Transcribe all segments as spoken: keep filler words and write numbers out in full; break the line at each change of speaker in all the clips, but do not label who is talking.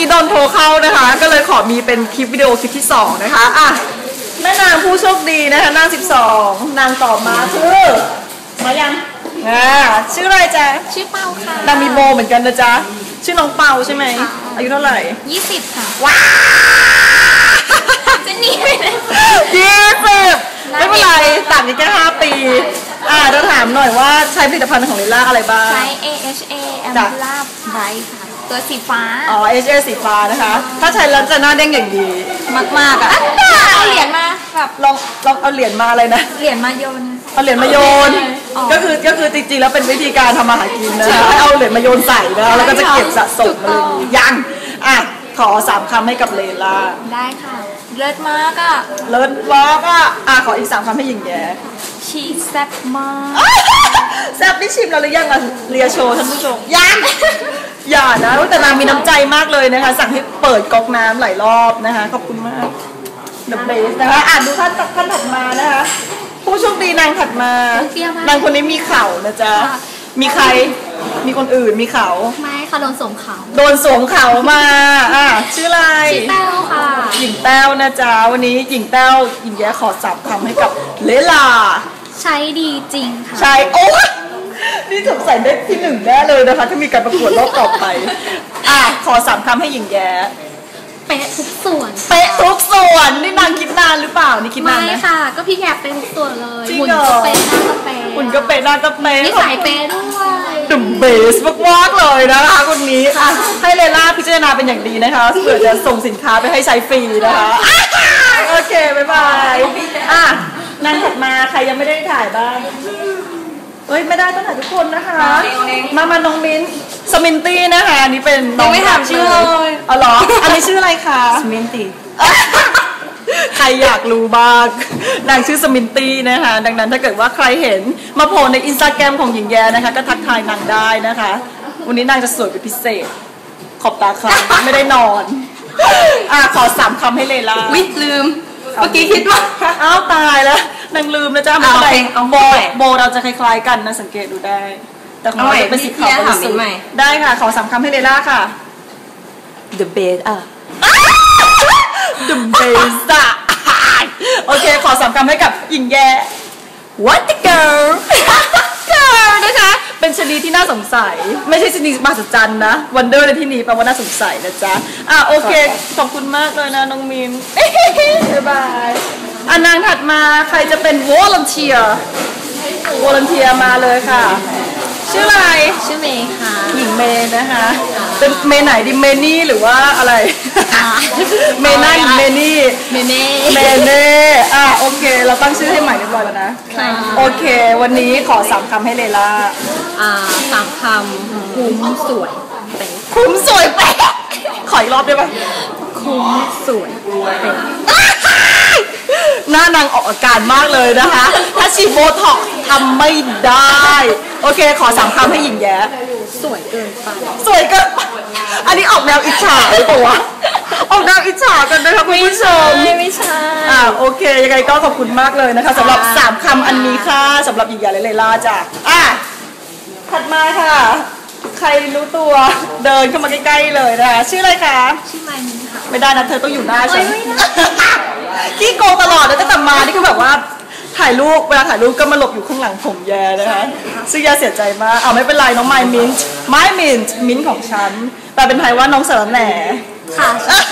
กี้โดนโทรเข้านะคะก็เลยขอมีเป็นคลิปวิดีโอคลิปที่สองนะคะอ่ะแม่นางผู้โชคดีนะคะนางสิบสองนางต่อมาชื่อมายังอ่าชื่ออะไรจ๊ะ
ชื่อเปาค่ะ
นางมีโบเหมือนกันนะจ๊ะชื่อน้องเปาใช่ไหมอายุเท่าไหร่
ยี่สิบค่ะ
ว้า
จะหนีไปเลย
ยี่สิบไม่เป็นไรต่างกันแค่ห้าปีอ่าเราถามหน่อยว่าใช้ผลิตภัณฑ์ของลิล่าอะไรบ้าง
ใช้ เอ เอช เอ Ambular Bright ค่ะตัวสีฟ้า
อ๋อ เอช เอ สีฟ้านะคะถ้าใช้แล้วจะหน้าเด้งอย่างดีมากๆอ่ะ
เอาเหรียญมาแบบ
ลองลองเอาเหรียญมาอะไรนะ
เหรียญมาโยน
เอาเหรียญมาโยนก็คือก็คือจริงๆแล้วเป็นวิธีการทำมาหากินนะให้เอาเหรียญมาโยนใส่นะแล้วก็จะเก็บสะสมอะไรยังอ่ะขอสามคำให้กับเลล่า
ได้ค่ะเลิศมากอ่ะ
เลิศมากอ่ะอ่ะขออีกสามคำให้หญิงแย้
ชีแซ่บมาก
แซ่บได้ชิมเราหรือยังอ่ะเรียโชว์ท่านผู้ชมยังอย่านะแต่นางมีน้ำใจมากเลยนะคะสั่งให้เปิดก๊อกน้ำหลายรอบนะคะขอบคุณมากเดอะเบสนะคะอ่านดูท่านท่านถัดมานะคะผู้โชคดีนางถัดมานางคนนี้มีเข่านะจ๊ะมีใครมีคนอื่นมีเขา
ไม่ค่ะโดนสวมเขา
โดนสวมเขามาอ่ะชื่ออะไร
ชื่อแต้วค่ะ
หญิงแต้วนะจ๊ะวันนี้หญิงแต้วหญิงแย้ขอสามคำให้กับเลล่า
ใช้ดีจริงค่ะ
ใช่โอ้นี่สงสัยได้ที่หนึ่งแน่เลยนะคะถ้ามีการประกวดรอบต่อไปอ่ะขอสามคำให้หญิงแย้
เป๊ะทุกส่วน
เป๊ะทุกส่วนนี่นางคิดนานหรือเปล่านี่คิดนานไหม
ไม่ค่ะก็พี่แกเป็นทุกส่วนเลยหุ่นก็เป๊ะหน้าก็เป๊ะ
หุ่นก็เป๊ะหน้าก็เป๊ะ
นิสัยเป๊ะด้วย
ดุมเบสมากๆเลยนะคะคนนี้อ่ะให้เลล่าพิจารณาเป็นอย่างดีนะคะเผื่อจะส่งสินค้าไปให้ใช้ฟรีนะคะโอเคบ๊ายบายอ่ะนางถัดมาใครยังไม่ได้ถ่ายบ้างเฮ้ยไม่ได้ต้องถ่ายทุกคนนะคะมามาน้องมิ้นสมินตี้นะคะอันนี้เป็นน้อง
ไม่ถามชื่อเลย
อ๋อเหรออันนี้ชื่ออะไรคะ
สมินตี้
ใครอยากรู้บ้างนางชื่อสมินตี้นะคะดังนั้นถ้าเกิดว่าใครเห็นมาโผล่ในอินสตาแกรมของหญิงแย้นะคะก็ทักทายนางได้นะคะวันนี้นางจะสวยเป็นพิเศษขอบตาค่ะไม่ได้นอนอ่ะขอสามคำให้เลล่า
วิลืมเมื่อกี้คิดว่า
อ้าวตายแล้วนางลืมนะจ๊ะโบโบโบเราจะคล้ายๆกันนะสังเกตดูได้แต่ของเราจะเป็นสีขาวบริสุทธิ์ได้ค่ะขอสามคำให้เลล่าค่ะ
The best อ่ะ
The best อ่ะโอเคขอสามคำให้กับหญิงแย้ What the girl girl นะคะเป็นชนิดที่น่าสงสัยไม่ใช่ชนิดมหัศจรรย์นะ Wonder ในที่นี้แปลว่าน่าสงสัยนะจ๊ะอ่ะโอเคขอบคุณมากเลยนะน้องมินบ๊ายบายอันนางถัดมาใครจะเป็น volunteer volunteer มาเลยค่ะชื่ออะไร
ชื่อเมย์ค่ะ
หญิงเมย์นะคะเป็นเมย์ไหนดิเมนี่หรือว่าอะไรเมน่าหญิงเมนี่
เมเน่
เมเน่อ่ะโอเคเราตั้งชื่อให้ใหม่เรียบร้อยแล้วนะโอเควันนี้ขอสามคำให้เลล่า
อ่าสามคำคุ้มสวยเป๊ะ
คุ้มสวยเป๊ะขออีกรอบได้ไหม
คุ้มสวยเป๊ะ
หน้านางออกอาการมากเลยนะคะถ้าฉีดโบท็อกซ์ทำไม่ได้โอเคขอสามคำให้หญิงแย้
สวยเกินไป
สวยเกินอันนี้ออกแนวอิจฉาหรือเปล่าวะออกแนวอิจฉากันนะคะคุณผู้ชม
ไม่ใช่
อ่าโอเคยังไงก็ขอบคุณมากเลยนะคะสำหรับสามคำอันนี้ค่ะสำหรับหญิงแย้และเลล่าจ้ะอ่ะถัดมาค่ะใครรู้ตัวเดินเข้ามาใกล้ๆเลยนะคะชื่ออะไรคะ
ชื่อไมมินค่ะ
ไม่ได้นะเธอต้องอยู่หน้าฉันขี้โกงตลอดเลยตั้งแต่มานี่คือแบบว่าถ่ายรูปเวลาถ่ายรูปก็มาหลบอยู่ข้างหลังผมแย่นะคะซึ่งแย่เสียใจมากเอาไม่เป็นไรน้องไมมินท์ไมมินท์มิ้นของฉันแต่เป็นไทยว่าน้องสารแหน่
ค่ะ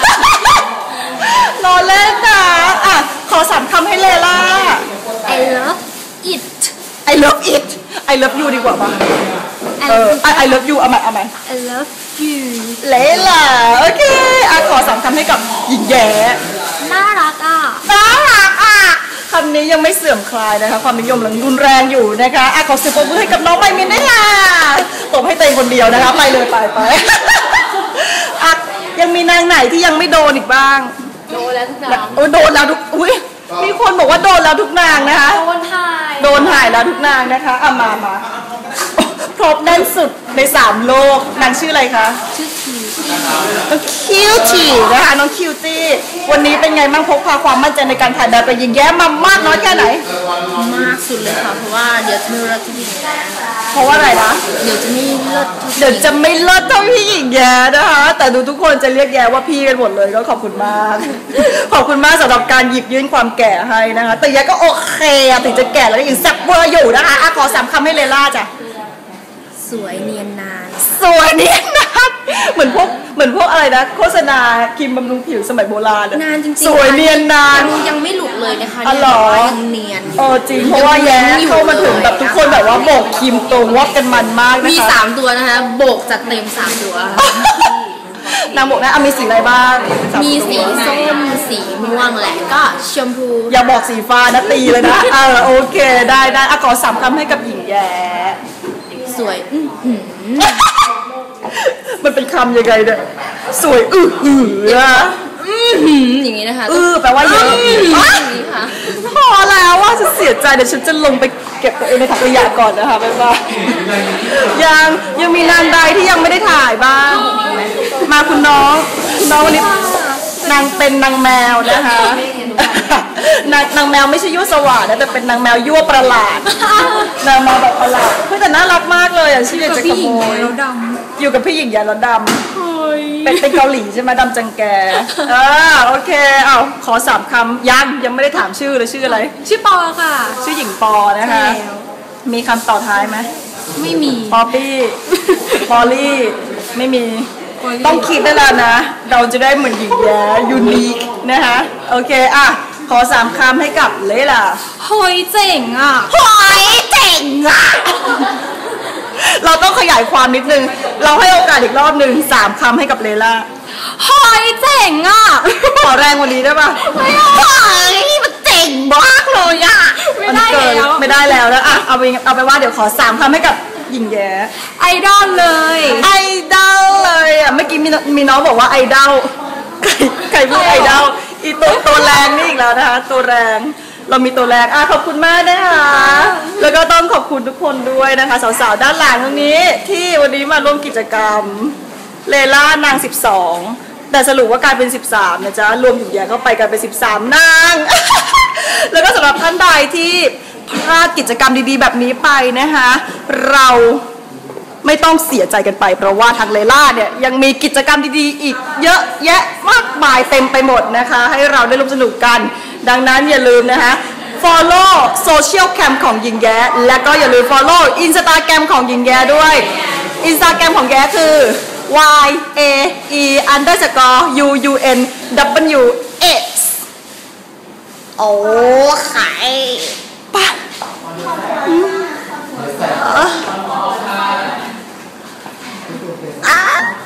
รอเล่นนะอ่ะขอสามคำให้เลล่า
I love it
I love it I love you ดีกว่าป่ะเออ I love you เอาใหม่เอาใหม่
I love you
เลล่าโอเคอ่ะขอสามคำให้กับหญิงแย้
น่ารักอ่ะ
น่ารักอ่ะคำนี้ยังไม่เสื่อมคลายนะคะความนิยมยังรุนแรงอยู่นะคะอ่ะขอเสียงปรบมือให้กับน้องไมมินได้ค่ะตบให้เต็มคนเดียวนะคะไปเลยไปไปอ่ะยังมีนางไหนที่ยังไม่โดนอีกบ้าง
โดนแล้วทุกนาง
โอ้โดนแล้วทุกอุ้ยมีคนบอกว่าโดนแล้วทุกนางนะคะ
โดนถ่าย
โดนถ่ายแล้วทุกนางนะคะอ่ะมามาครบแน่นสุดในสามโลกนางชื่ออะไรคะ
ชื่อที
น้องคิวตี้นะคะน้องคิวตี้วันนี้เป็นไงบ้างพกพาความมั่นใจในการถ่ายแบบไปยิงแย้มมามากน้อยแค่ไหน
มากสุดเลยค่ะเพราะว่าเดี๋ยวจะไม่เลิศที่พี่หญิงแย้
เพราะว่าอะไรนะ
เดี๋ยวจะไม่เลิศ
เดี๋ยวจะไม่เลิศเท่าพี่หญิงแย้นะคะแต่ดูทุกคนจะเรียกแย้ว่าพี่กันหมดเลยก็ขอบคุณมากขอบคุณมากสำหรับการหยิบยื่นความแก่ให้นะคะแต่แย้ก็โอเคถึงจะแก่แล้วก็ยังแซ่บเวอร์อยู่นะคะขอสามคำให้เลล่าจ้ะ
สวยเนียนนาน
สวยเนียนนานเหมือนพวกเหมือนพวกอะไรนะโฆษณาครีมบำรุงผิวสมัยโบราณ
นานจริง
ๆสวยเนียนนาน
ยังไม่หลุดเลยนะคะ
ยัง
เนียน
เออจริงเพราะว่าแย้เข้ามาถึงแบบทุกคนแบบว่าโบกครีมตรงวัดกันมันมากนะคะ
มีสามตัวนะคะโบกจัดเต็มสามตัวน
างบอกนะมีสีอะไรบ้าง
มีสีส้มสีม่วงและก็ชมพู
อย่าบอกสีฟ้านะตีเลยนะเออโอเคได้ได้อะขอสามคำให้กับหญิงแย้
สวย
มันเป็นคำยังไงเนี่ยสวยอื้อหือ
อย่างนี้นะคะ
อื้อแปลว่าเยอะอย่างนี้ค่ะพอแล้วว่าจะเสียใจเดี๋ยวฉันจะลงไปเก็บตัวเองในถังขยะก่อนนะคะบ๊ายบายยังยังมีนานใดที่ยังไม่ได้ถ่ายบ้างมาคุณน้องคุณน้องวันนี้นางเป็นนางแมวนะคะนางนางแมวไม่ใช่ยั่วสว่างนะแต่เป็นนางแมวยั่วประหลาดนางแมวแบบประหลาดเพื่อแต่น่ารักมากเลยอ่ะชื่อจะขโมยอยู่กับพี่หญิงแย้แล้วดำเป็นเป็นเกาหลีใช่ไหมดำจังแกอ่าโอเคเอาขอสามคำยังยังไม่ได้ถามชื่อเลยชื่ออะไร
ชื่อปอค่ะ
ชื่อหญิงปอนะคะมีคำต่อท้ายไหม
ไม่มี
ปอปี้ปอลี่ไม่มีต้องคิดได้แล้วนะเราจะได้เหมือนหญิงแย้ยูนิคนะคะโอเคอ่ะขอสามคำให้กับเลล่า
หอยเจ๋งอ่ะ
หอยเจ๋งอ่ะเราต้องขยายความนิดนึงเราให้โอกาสอีกรอบหนึ่งสามคำให้กับเลล่า
หอยเจ๋งอ่ะ
ขอแรงกว่านี้ได้ปะ
ไม่ได้มันเจ๋งมากเลยอ่ะ
ไม่ได้แล้วไม่ได้แล้วแล้วอ่ะเอาไปเอาไปว่าเดี๋ยวขอสามคำให้กับหญิงแย้
ไอดอลเลย
ไอดอลเลยอ่ะเมื่อกี้มีมีน้องบอกว่าไอดอลใครใครพูดไอดอลอีตัวตัวแรงนี่อีกแล้วนะคะตัวแรงเรามีตัวแรงอ่ะขอบคุณมากนะคะแล้วก็ต้องขอบคุณทุกคนด้วยนะคะสาวๆด้านหลังตรงนี้ที่วันนี้มาร่วมกิจกรรมเลล่านางสิบสองแต่สรุปว่ากลายเป็นสิบสามนะจ๊ะรวมถึงแย่เข้าไปกลายเป็นสิบสามนางแล้วก็สำหรับท่านใดที่พลาดกิจกรรมดีๆแบบนี้ไปนะคะเราไม่ต้องเสียใจกันไปเพราะว่าทางเลล่าเนี่ยยังมีกิจกรรมดีๆอีกเยอะแยะมากมายเต็มไปหมดนะคะให้เราได้ร่วมสนุกกันดังนั้นอย่าลืมนะคะ follow social cam ของหญิงแย้และก็อย่าลืม follow Instagram ของหญิงแย้ด้วย Instagram ของแย้คือ y a e underscore u u n w x
โอ้ไข่
ปะ